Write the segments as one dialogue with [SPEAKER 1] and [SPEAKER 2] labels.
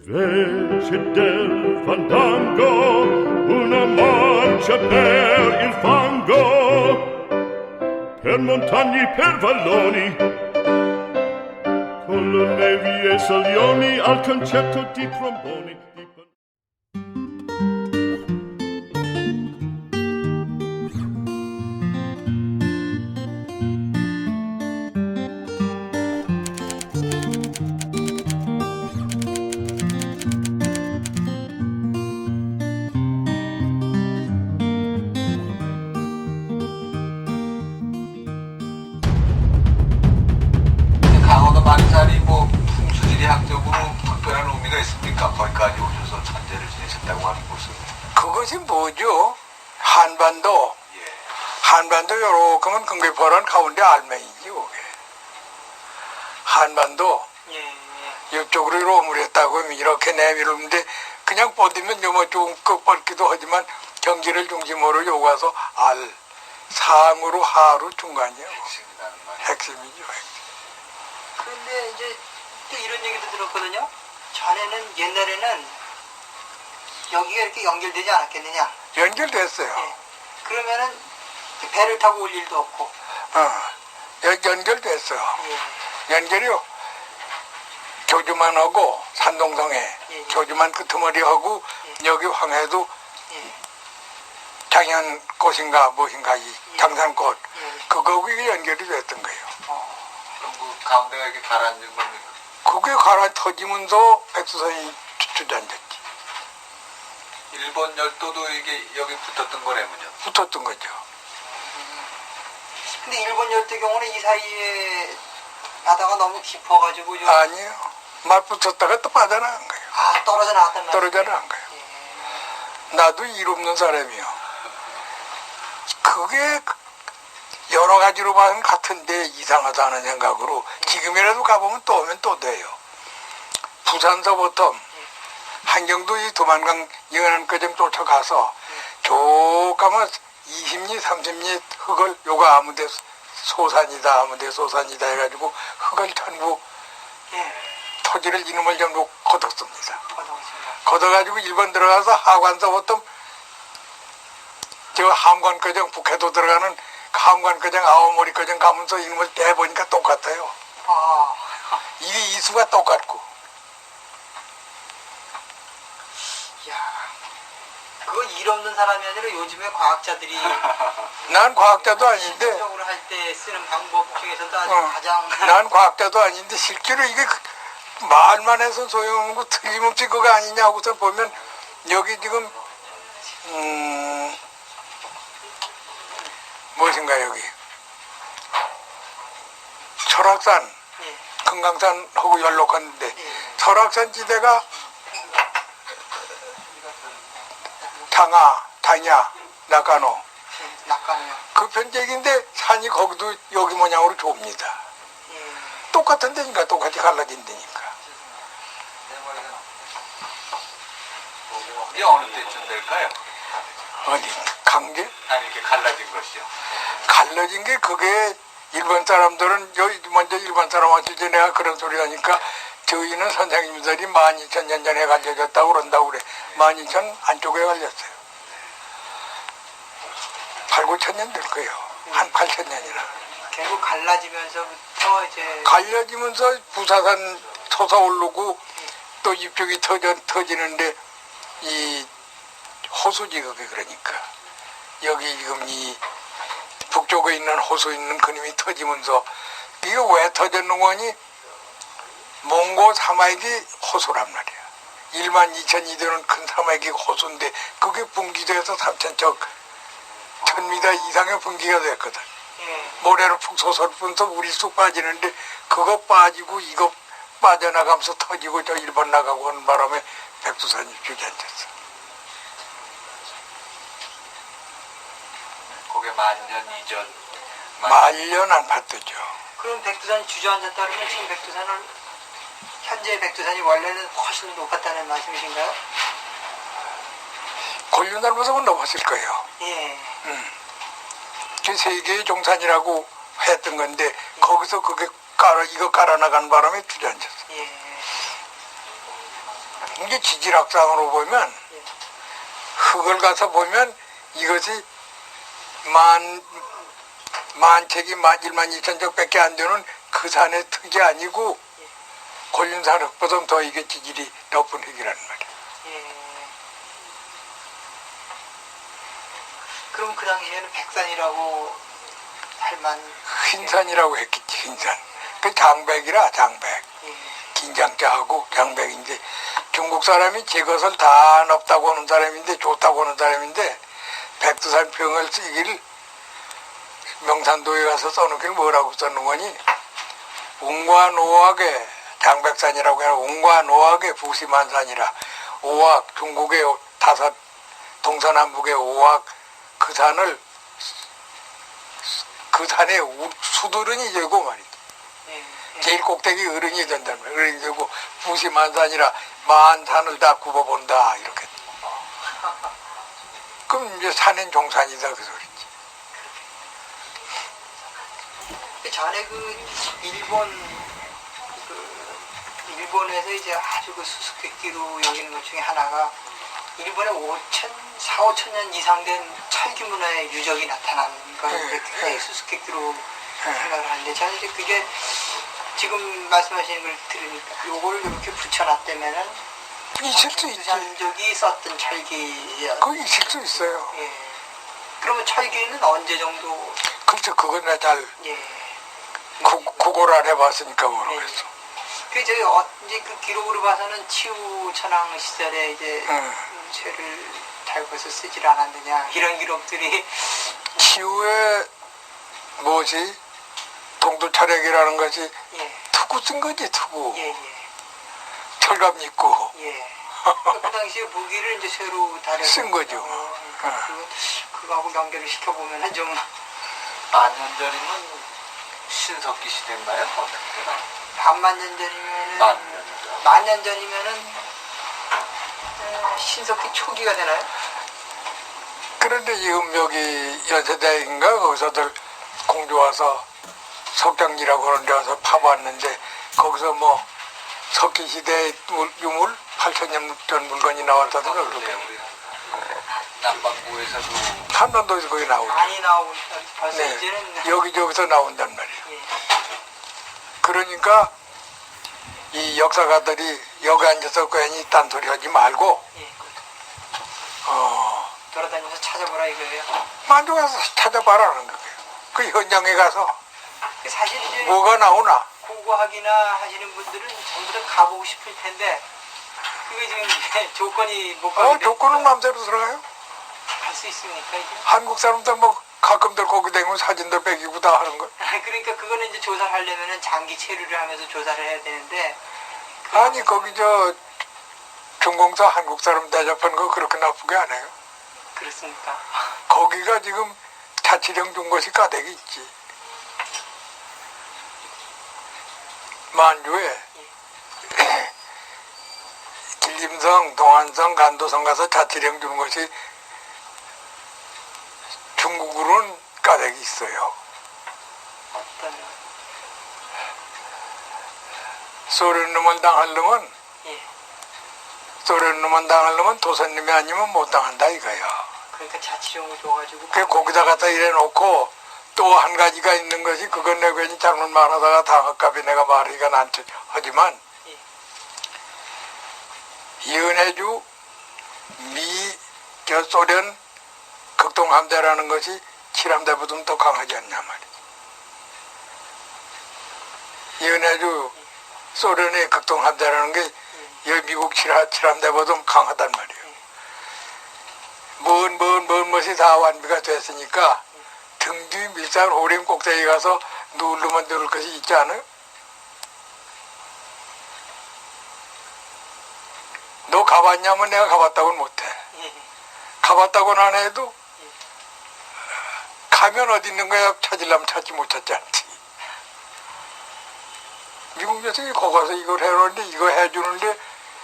[SPEAKER 1] Invece del fandango, una marcia per il fango, per montagne, per valloni, con le nevi e salioni al concerto di tromboni.
[SPEAKER 2] 강원도 만산이 뭐 풍수지리학적으로 특별한 의미가 있습니까? 거기까지 오셔서 산재를 지내셨다고 하는 곳은.
[SPEAKER 3] 그것이 뭐죠? 한반도.
[SPEAKER 2] 예.
[SPEAKER 3] 한반도 요렇게면 금괴포란 가운데 알맹이지 그게. 한반도 이쪽으로 오므렸다고 이렇게 내밀었는데 그냥 뻗으면 요뭐 좀 끝뻗기도 하지만 경기를 중심으로 요가서 알, 상으로 하로 중간이에요.
[SPEAKER 2] 핵심이라는 말이에요.
[SPEAKER 3] 핵심이죠. 핵심.
[SPEAKER 4] 그런데 이제 또 이런 얘기도 들었거든요. 전에는 옛날에는 여기가 이렇게 연결되지 않았겠느냐.
[SPEAKER 3] 연결됐어요.
[SPEAKER 4] 예. 그러면은 배를 타고 올 일도 없고.
[SPEAKER 3] 연결됐어요.
[SPEAKER 4] 예.
[SPEAKER 3] 연결이요. 교주만하고 산동성에
[SPEAKER 4] 예.
[SPEAKER 3] 교주만 끄트머리하고
[SPEAKER 4] 예.
[SPEAKER 3] 여기 황해도
[SPEAKER 4] 예.
[SPEAKER 3] 장현꽃인가 무엇인가 이
[SPEAKER 4] 예.
[SPEAKER 3] 장산꽃
[SPEAKER 4] 예.
[SPEAKER 3] 그거가 연결이 됐던 거예요.
[SPEAKER 2] 그럼 그 가운데가 이렇게 가라앉은 겁니까?
[SPEAKER 3] 그게 갈아 터지면서 백두산이 주저앉았지.
[SPEAKER 2] 일본 열도도 이게 여기 붙었던 거라면요.
[SPEAKER 3] 붙었던 거죠.
[SPEAKER 4] 근데 일본 열대 경우는 이 사이에 바다가 너무 깊어가지고 좀
[SPEAKER 3] 아니요. 말 붙었다가 또 빠져나간 거예요.
[SPEAKER 4] 떨어져 나왔단 말이에요.
[SPEAKER 3] 떨어져 나간 거예요. 나도 일 없는 사람이요. 그게 여러 가지로 봐는 같은데 이상하다는 생각으로 지금이라도 가보면 또 오면 또 돼요. 부산서부터 한경도 이 도만강 영안까지 쫓아가서 쭉 가면 20리 30리 흙을 요가 아무데 소산이다 아무데 소산이다 해가지고 흙을 전부 토지를 이놈을 전부 걷었습니다. 걷어가지고 일본 들어가서 하관서부터 저 함관거정 북해도 들어가는 함관거정 아오모리거정 가면서 이놈을 떼보니까 똑같아요. 이게 이수가 똑같고.
[SPEAKER 4] 야, 그거 일 없는 사람이 아니라 요즘에 과학자들이
[SPEAKER 3] 난 과학자도 아닌데
[SPEAKER 4] 실질적으로 할 때 쓰는 방법 중에서도 아주 가장
[SPEAKER 3] 난 과학자도 아닌데 실제로 이게 말만 해서 소용없는 거 틀림없이 그거 아니냐고서 보면 여기 지금 무엇인가 여기 설악산
[SPEAKER 4] 예.
[SPEAKER 3] 금강산하고 연록한데 설악산 지대가 다냐, 나가노
[SPEAKER 4] 낙관이요.
[SPEAKER 3] 그 편적인데 산이 거기도 여기 모양으로 좁니다. 똑같은 데니까 똑같이 갈라진 데니까.
[SPEAKER 2] 이게 어느 때쯤 될까요?
[SPEAKER 3] 어디 강계?
[SPEAKER 2] 아니 이렇게 갈라진 것이요.
[SPEAKER 3] 갈라진 게 그게 일본 사람들은 여기 먼저 일본 사람한테 이제 내가 그런 소리 하니까 저희는 선생님들이 12,000년 전에 갈려졌다고 그런다고 그래. 12,000 안쪽에 갈렸어요. 8, 9,000년 될 거예요. 한 8,000년이나.
[SPEAKER 4] 결국 갈라지면서부터 이제
[SPEAKER 3] 갈려지면서 부사산 솟아오르고 또 이쪽이 터지는데 이 호수지 그게 그러니까 여기 지금 이 북쪽에 있는 호수 있는 그림이 터지면서 이게 왜 터졌는 거니 몽고 사막이 호수란 말이야. 12,000이 되는 큰 사막이 호수인데 그게 분기돼서 3,000척 1,000m 이상의 분기가 됐거든. 모래로 푹 솟아면서 물이 쑥 빠지는데 그거 빠지고 이거 빠져나가면서 터지고 저 일본 나가고 하는 바람에 백두산이 주저앉았어.
[SPEAKER 2] 그게 만년 이전.
[SPEAKER 3] 말년 안 봤더죠.
[SPEAKER 4] 그럼 백두산이 주저앉았다 그러면 지금 백두산을 현재 백두산이 원래는 훨씬 높았다는 말씀이신가요?
[SPEAKER 3] 권륜날보석은 넘었을 거예요.
[SPEAKER 4] 예.
[SPEAKER 3] 그 세계의 종산이라고 했던 건데 거기서 그게 이거 깔아 나간 바람에 주저앉았어.
[SPEAKER 4] 예.
[SPEAKER 3] 이게 지질학상으로 보면
[SPEAKER 4] 예.
[SPEAKER 3] 흙을 가서 보면 이것이 만책이 12,000척밖에 안 되는 그 산의 흙이 아니고 곤륜산 흙보다 더 이게 지질이 높은 흙이란 말이야.
[SPEAKER 4] 예. 그럼 그 당시에는 백산이라고 할만.
[SPEAKER 3] 흰산이라고 했겠지, 흰산. 그 장백이라, 장백.
[SPEAKER 4] 예.
[SPEAKER 3] 긴장자하고 장백인데 중국 사람이 제 것을 다 높다고 하는 사람인데 좋다고 하는 사람인데 백두산 평을 쓰기를 명산도에 가서 써놓기를 뭐라고 써놓은 거니 웅과 노악의 장백산이라고 해라. 웅과 노악의 부시만산이라. 오악 중국의 5 동서남북의 오악 그 산을 그 산에 수두른이 되고 말이지. 제일 꼭대기 어른이 된다는 거예요. 어른이 되고 부시만산이라 만산을 다 굽어본다 이렇게. 그럼 이제 산엔 종산이다 그 소리지.
[SPEAKER 4] 전에 일본에서 이제 아주 그 수수께끼로 여기는 것 중에 하나가 일본에 4,5천 년 이상 된 철기 문화의 유적이 나타난 걸 굉장히 수수께끼로 생각을 하는데 저는 이제 그게 지금 말씀하시는 걸 들으니까 요거를 이렇게 붙여놨다면은
[SPEAKER 3] 있을 수 있지.
[SPEAKER 4] 백두산족이 썼던 철기.
[SPEAKER 3] 그 있을 수 있어요.
[SPEAKER 4] 예. 그러면 철기는 언제 정도?
[SPEAKER 3] 그렇죠. 그건 내가 잘
[SPEAKER 4] 예.
[SPEAKER 3] 구걸 안 해봤으니까 모르겠어.
[SPEAKER 4] 그 저희 이제 그 기록으로 봐서는 치우 천황 시절에 이제 쇠를 달궈서 쓰질 않았느냐 이런 기록들이.
[SPEAKER 3] 치우의 뭐지 동두철액이라는 것이
[SPEAKER 4] 예.
[SPEAKER 3] 투구 쓴 거지 투구.
[SPEAKER 4] 예.
[SPEAKER 3] 철갑 입고.
[SPEAKER 4] 예. 그 당시에 무기를 이제 쇠로 달여서
[SPEAKER 3] 쓴 거죠.
[SPEAKER 4] 그거하고 연결을 시켜보면은 좀.
[SPEAKER 2] 만년 전이면 신석기 시대인가요? 어떻게 되나?
[SPEAKER 4] 반만 년 전이면은. 만년 전이면은 신석기 초기가 되나요?
[SPEAKER 3] 그런데 지금 여기 연세대인가 거기서들 공주 와서 석장리라고 하는 데 와서 파봤는데 거기서 뭐 석기시대 유물 8,000년 전 물건이 나왔다든가 그렇게.
[SPEAKER 2] 남반구에서도
[SPEAKER 3] 한반도에서 거기 나오죠.
[SPEAKER 4] 많이 나오고 벌써
[SPEAKER 3] 네.
[SPEAKER 4] 이제는.
[SPEAKER 3] 여기저기서 나온단 말이에요.
[SPEAKER 4] 예.
[SPEAKER 3] 그러니까 이 역사가들이 여기 앉아서 괜히 딴소리 하지 말고
[SPEAKER 4] 예.
[SPEAKER 3] 어,
[SPEAKER 4] 돌아다니면서 찾아보라 이거예요.
[SPEAKER 3] 만족해서 찾아봐라는 거예요. 그 현장에 가서
[SPEAKER 4] 사실 이제
[SPEAKER 3] 뭐가 나오나.
[SPEAKER 4] 고고하기나 하시는 분들은 전부 다 가보고 싶을 텐데 그게 지금 이제 조건이 못 가게
[SPEAKER 3] 조건은 마음대로 들어가요.
[SPEAKER 4] 갈수 있습니까 이게?
[SPEAKER 3] 한국 사람들 뭐 가끔들 거기 다니면 사진도 빼기고 다 하는 거.
[SPEAKER 4] 그러니까 그거는 이제 조사를 하려면은 장기 체류를 하면서 조사를 해야 되는데.
[SPEAKER 3] 아니 거기 저 중공사 한국 사람 대접한 거 그렇게 나쁘게 안 해요.
[SPEAKER 4] 그렇습니까?
[SPEAKER 3] 거기가 지금 자치령 준 것이 가득 있지. 만주에 길림성, 동안성, 간도성 가서 자치령 주는 것이 중국으로는 가득 있어요.
[SPEAKER 4] 어떤.
[SPEAKER 3] 소련 놈을 당하려면
[SPEAKER 4] 예.
[SPEAKER 3] 소련 놈을 당하려면 도선님이 아니면 못 당한다 이거야.
[SPEAKER 4] 그러니까 자치령을 줘가지고.
[SPEAKER 3] 그 거기다 갖다 이래 놓고 또 한 가지가 있는 것이 그건 내가 괜히 잘못 말하다가 당할까봐 내가 말하기가 난처 하지만 이은혜주 저 소련 극동함대라는 것이 칠함대보다 더 강하지 않냐 말이야. 이은혜주 소련의 극동함대라는 게 미국 칠함대보다 강하단 말이에요. 먼 것이 다 완비가 됐으니까 등 뒤 밀산 호림 꼭대기 가서 누르면 누를 것이 있지 않아요? 너 가봤냐면 내가 가봤다고는 못해. 가봤다고는 안 해도 가면 어디 있는 거야 찾으려면 찾지 못 찾지 않지. 미국 녀석이 거기 가서 이걸 해놓는데 이거 해주는데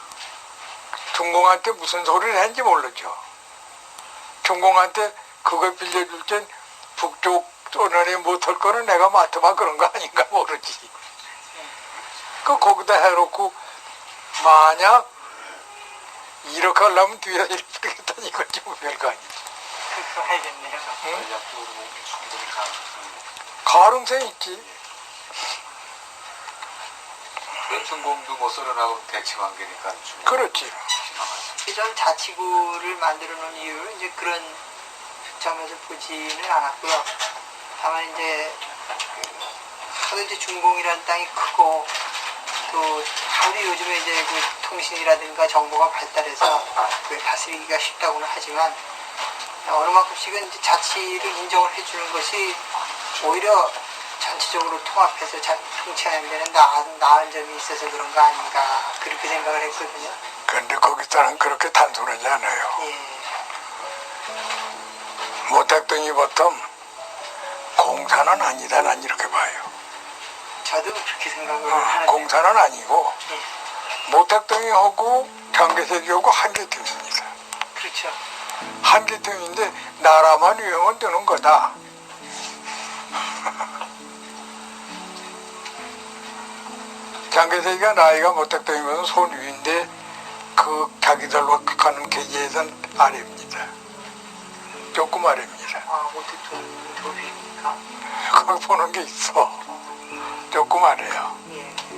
[SPEAKER 3] 중공한테 무슨 소리를 했는지 모르죠. 중공한테 그걸 빌려줄 땐 북쪽 소련이 못할 거는 내가 맡아봐 그런 거 아닌가 모르지. 거기다 해놓고 만약 이렇게 하려면 뒤에서 이렇게 뿌리겠다니 이건 좀 별거 아니지.
[SPEAKER 4] 그거 해야겠네요.
[SPEAKER 2] 전략적으로 충분히 가능성이
[SPEAKER 3] 가능성이 있지.
[SPEAKER 2] 연천공도 뭐 썰어나가고 대치관계니까 충분히
[SPEAKER 3] 그렇지.
[SPEAKER 2] 지나가죠.
[SPEAKER 4] 전 자치구를 만들어 놓은 이유를 이제 그런 점에서 보지는 않았고요. 다만 이제 하도 이제 중공이라는 땅이 크고 또 하도 요즘에 이제 그 통신이라든가 정보가 발달해서 그 다스리기가 쉽다고는 하지만 어느 만큼씩은 이제 자치를 인정을 해주는 것이 오히려 전체적으로 통합해서 잘 통치하는 데는 나은 점이 있어서 그런 거 아닌가 그렇게 생각을 했거든요.
[SPEAKER 3] 그런데 거기서는 그렇게 단순하지 않아요.
[SPEAKER 4] 예.
[SPEAKER 3] 모택동이 보통 공사는 아니다, 난 이렇게 봐요.
[SPEAKER 4] 저도 그렇게 생각을 하는데.
[SPEAKER 3] 공사는 아니고
[SPEAKER 4] 예.
[SPEAKER 3] 모택동이 하고 경계색이 하고 한계통입니다.
[SPEAKER 4] 그렇죠.
[SPEAKER 3] 한계통인데 나라만 위험은 되는 거다. 장개세기가 나이가 모택동이면 손 위인데 그 자기들로 가는 계제에선 아래입니다. 조금 아래입니다.
[SPEAKER 4] 아, 모택동 도비니까.
[SPEAKER 3] 거기 보는 게 있어. 조금 아래요.
[SPEAKER 4] 예.